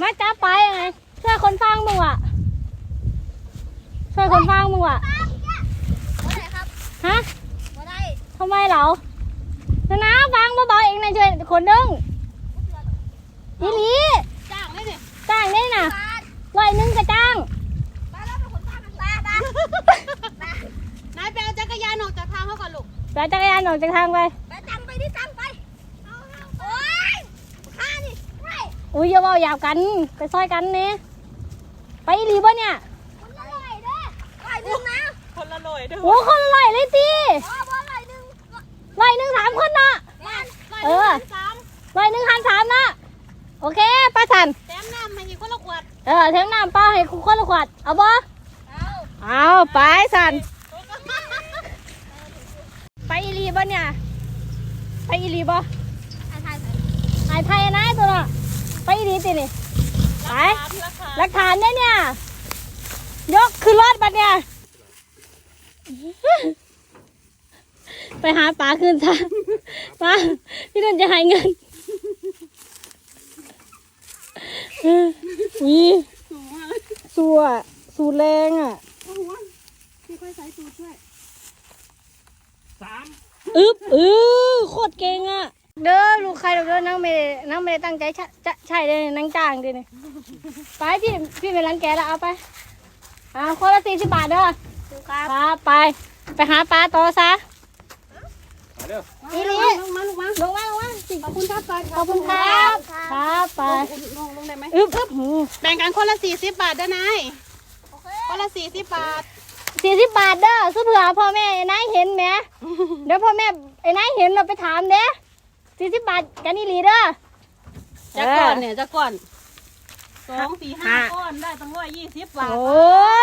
มาจับไปไงช่วยคนฟังมึงอ่ะช่วยคนฟังมึงอ่ะฮะทำไมเหรอนะฟังเบาๆเองนะช่วยคนนึงอีหลีจ้างได้น่ะ100ก็จ้างนายไปเอาจักรยานออกจากทางเขาก่อนลูกไปจักรยานออกจากทางไปตั้งไปดิตั้งไปโอ้ยข้านี่อุ้ยอย่าเบาหยาบกันไปซอยกันเนี่ยไปอีหลีบ่เนี่ยคนละร้อยเด้อ100นะคนละร้อยเด้อโอ้คนละ100เลยตี 100 3 คนเนาะ100หัน3นะโอเคป้าสันแถมน้ำให้คนละขวดแถมน้ำป้าให้คนละขวดเอาบ่เอาไปสันไปอีหลีบ่เนี่ยไปอีหลีบ่ไอ้ไทยนะตัวน่ะไปอีหลีตินี่ไปหลักฐานเนี่ยยกขึ้นรถบัดเนี่ยไปหาปลาคืนซะปลาพี่นุ่นจะให้เงินนี่สู้แรงอ่ะค่อยใส่สูตรช่วยโคตรเก่งอ่ะเด้อลูกใครเด้อนั่งไม่ได้ตั้งใจใช่เลยนั่งจ้างดิเนี่ยไปพี่เป็นร้านแกแล้วเอาไปคนละ40 บาทเด้อครับไปหาปลาต่อซะอีหลีลงมาขอบคุณครับขอบคุณครับครับไปลงได้ไหมแบ่งกันคนละ40 บาทเด้อนายคนละ40 บาท 40 บาทเด้อซื้อเผื่อพ่อแม่ไอ้นายเห็นไหมเดี๋ยวพ่อแม่ไอ้นายเห็นเราไปถามเด้40 บาทกันอีหลีเด้อจะก่อน2 4 5ก้อนได้ตั้ง120 บาทโอ้